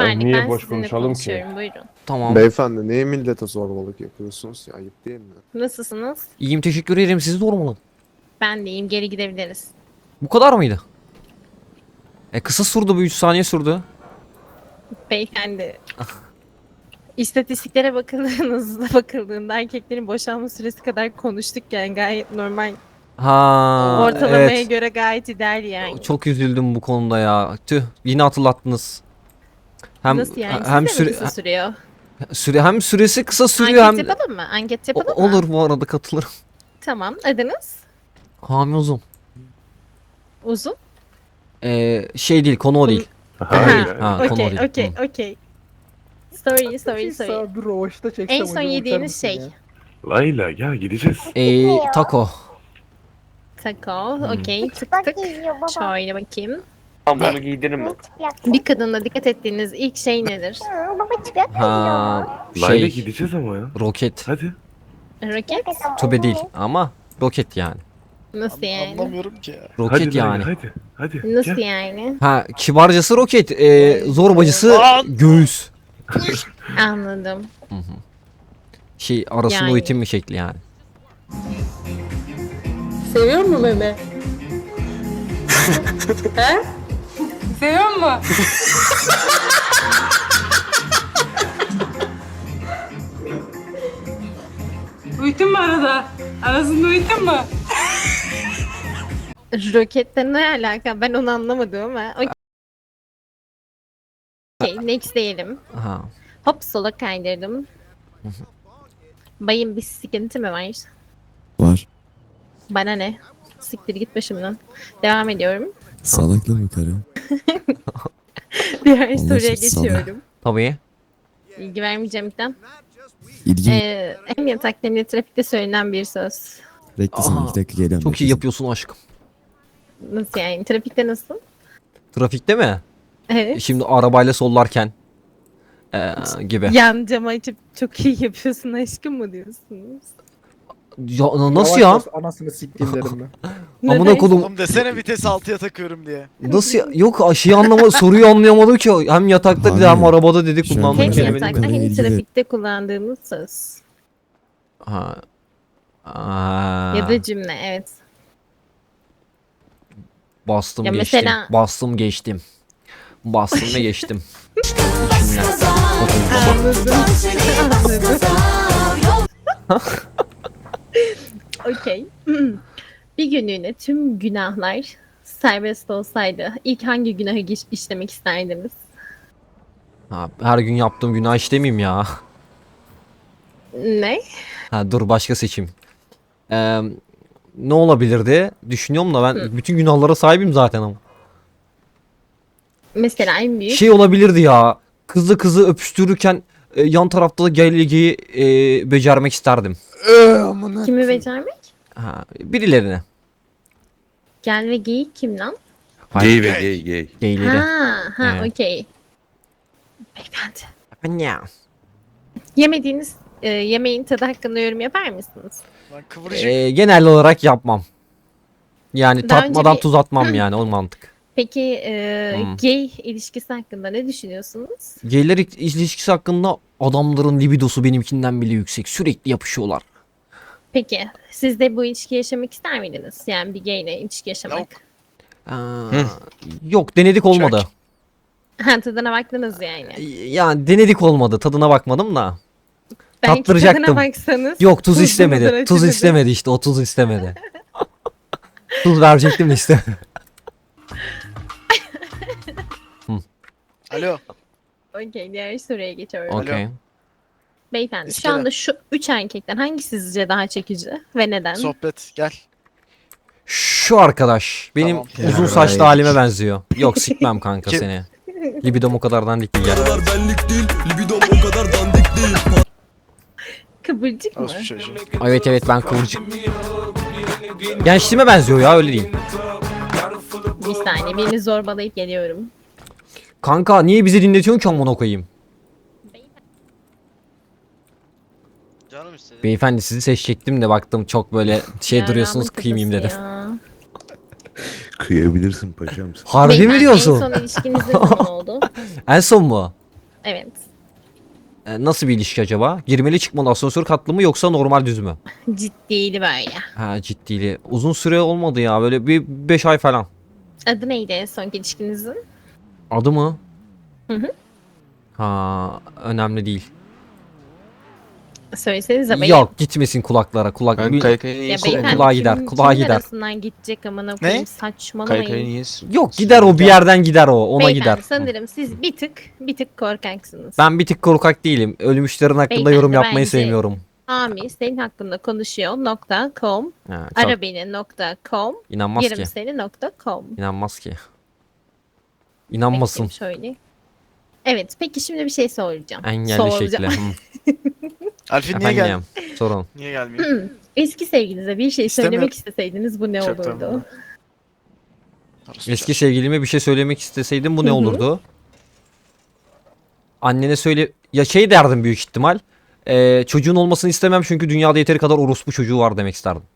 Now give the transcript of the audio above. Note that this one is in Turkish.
Güvenlik, niye ben boş sizinle konuşalım ki? konuşuyorum. Buyurun. Tamam. Beyefendi niye millete zorbalık yapıyorsunuz ya? Ayıp değil mi? Nasılsınız? İyiyim, teşekkür ederim. Sizi sormalı. Ben de iyiyim. Geri gidebiliriz. Bu kadar mıydı? Kısa sürdü, bu 3 saniye sürdü. Beyefendi. İstatistiklere bakıldığında erkeklerin boşanma süresi kadar konuştuk yani gayet normal. Ha, Ortalamaya evet. göre gayet ideal yani. Çok üzüldüm bu konuda ya. Tüh, yine hatırlattınız. Hem Nasıl yani? hem Sizde mi kısa sürüyor? hem süresi kısa sürüyor Anket hem yapalım mı? Anket yapalım mı? olur, bu arada katılırım. Tamam. Adınız? Hami uzun. Uzun? Şey değil, konu o değil. Hayır. Ha, konu o Okey, değil. okey, Hı. okey. Sorry. Bir rovaşta çeksem En son hocam, yediğiniz uçar mısın şey. ya? Layla gel gideceğiz. Taco. Taco. Okey. Tık Bak tık. geliyor baba. Şöyle bakayım. Tamam bunu giydirin mi? Bir kadınla dikkat ettiğiniz ilk şey nedir? Baba çıplak geliyor. Ha, Layla şey, gideceğiz ama ya. roket. Hadi. Roket? Tübe değil ama roket yani. Nasıl yani? Anlamıyorum ki ya. Roket Hadi Layla, yani. hadi. Nasıl Gel. yani? Ha, kibarcası roket, zorbacısı göğüs. Anladım. Şey, arasında Yani. uyutim bir şekli yani. Seviyor mu meme? He? Seviyor mu? Uyutun mu arada? Arasında uyutun mu? Roketle ne alaka? Ben onu anlamadım ama. Okey, next diyelim. Ha. Hop sola kaydırdım. Bayım bir sıkıntı mı var? Var. Bana ne? Siktir git başımdan. Devam ediyorum. Sağlıklı mı karı? Diğer Allah soruya aşkına, salla. geçiyorum. Tabii. İlgi vermeyeceğim ilkten. İlgi Hem yatakta hem de trafikte söylenen bir söz. Beklesin Aa, 2 dakika geliyorum. Çok iyi beklesin. yapıyorsun aşkım. Nasıl yani? Trafikte nasıl? Trafikte mi? Evet. Şimdi arabayla sollarken gibi. Yan cama açıp çok iyi yapıyorsun aşkım mı diyorsunuz? Ya, nasıl ya? Yavaş bas, anasını siktiğim derim ben. Amına Neden? kodum. Oğlum desene vites 6'ya takıyorum diye. Nasıl ya? Yok, aşıyı soruyu anlayamadım ki. Hem yatakta dedi Abi, hem arabada dedi, şöyle kullandığım Hem Anladım. kelime değil yatakta mi? hem ilgili- trafikte kullandığımız söz. Ha. Aa, Ya da cümle evet. bastım Ya geçtim. mesela- Bastım geçtim. Bastım ve geçtim. İçinden. Okey. Bir günlüğüne tüm günahlar serbest olsaydı ilk hangi günahı işlemek isterdiniz? Ha, her gün yaptığım günah işlemeyeyim ya. Ne? Ha, dur, başka seçim. Ne olabilirdi? Düşünüyorum da ben bütün günahlara sahibim zaten ama. Mesela en büyük Şey olabilirdi ya. Kızı öpüştürürken yan tarafta da gelgeyi becermek isterdim. kimi becermek? Ha, birilerine. Gel ve geyik kim lan? Gay ve gay. Geyleri. Ha, Evet. okey. Beyefendi. Ya. Yemediğiniz yemeğin tadı hakkında yorum yapar mısınız? Lan kıvırcık. Genel olarak yapmam. Yani Daha önce tatmadan bir- tuz atmam yani, o mantık. Peki Hmm. gay ilişkisi hakkında ne düşünüyorsunuz? Geyler ilişkisi hakkında adamların libidosu benimkinden bile yüksek. Sürekli yapışıyorlar. Peki siz de bu ilişki yaşamak ister miydiniz? Yani bir gay ile ilişki yaşamak. Yok. Yok, denedik, olmadı. Ha, tadına baktınız yani. Yani denedik, olmadı. Tadına bakmadım da. Belki Tattıracaktım. tadına baksanız. Yok, tuz tuzlu istemedi. mudur, Tuz acı mıdır? istemedi işte. O tuz istemedi. Tuz verecektim de işte. Alo. Okey, diğer soruya geçiyorum. Okey. Beyefendi şu İskele. anda şu 3 erkekten hangisi sizce daha çekici ve neden? Sohbet gel. Şu arkadaş benim Tamam. uzun Ya, saçlı right. halime benziyor. Yok, sikmem kanka Kim? seni. Libidom o kadar dandik değil ya. benlik değil, libidom o kadar dandik değil. Kıvırcık mı? Orospu çocuğu. Evet, ben kıvırcık. Gençliğime benziyor ya, öyle değil. Bir saniye birini zorbalayıp geliyorum. Kanka niye bizi dinletiyorsun ki, amına koyayım? Canım istedi. Beyefendi, sizi seçecektim de baktım çok böyle şey Ya, duruyorsunuz, rahmet kıymayayım dedim. kafası ya. Kıyabilirsin paşam. Harbi mi Beyefendi, diyorsun? En son ilişkiniz ne zaman oldu? En son mu? Evet. Nasıl bir ilişki acaba? Girmeli çıkmalı asansör katlı mı yoksa normal düz mü? Ciddiydi böyle. Ha ciddili. Uzun süre olmadı ya böyle bir 5 ay falan. Adı neydi en son ilişkinizin? Adı mı? Hı hı. Ha önemli değil. Söylesenize bayım. Yok gitmesin kulaklara. Kulak Ben bir- kaykayı niye Ya Kulağa beyefendi gider, kimin- kulağa kimin gider. arasından gidecek amına koyayım saçmalamayın. Kaykayı niye Yok gider o bir yerden gider o. Ona Beyefendi gider. sanırım siz bir tık korkaksınız. Ben bir tık korkak değilim. Ölmüşlerin hakkında Beyefendi, yorum yapmayı bence- sevmiyorum. Ami senin hakkında konuşuyor.com Ha, çok arabeni.com inanmaz ki. yerim seni.com İnanmaz ki. İnanmasın. Şöyle. Evet peki şimdi bir şey soracağım. Engelli Soracağım. şekli. Alfin niye geldi? Efendim sorun. Niye gelmiyor? Eski sevgilinize bir şey İstemiyorum. söylemek isteseydiniz bu ne Çok olurdu? tamam. Eski sevgilime bir şey söylemek isteseydim bu ne Hı hı. olurdu? Annene söyle... Ya şey derdim büyük ihtimal. Çocuğun olmasını istemem çünkü dünyada yeteri kadar orospu çocuğu var demek isterdim.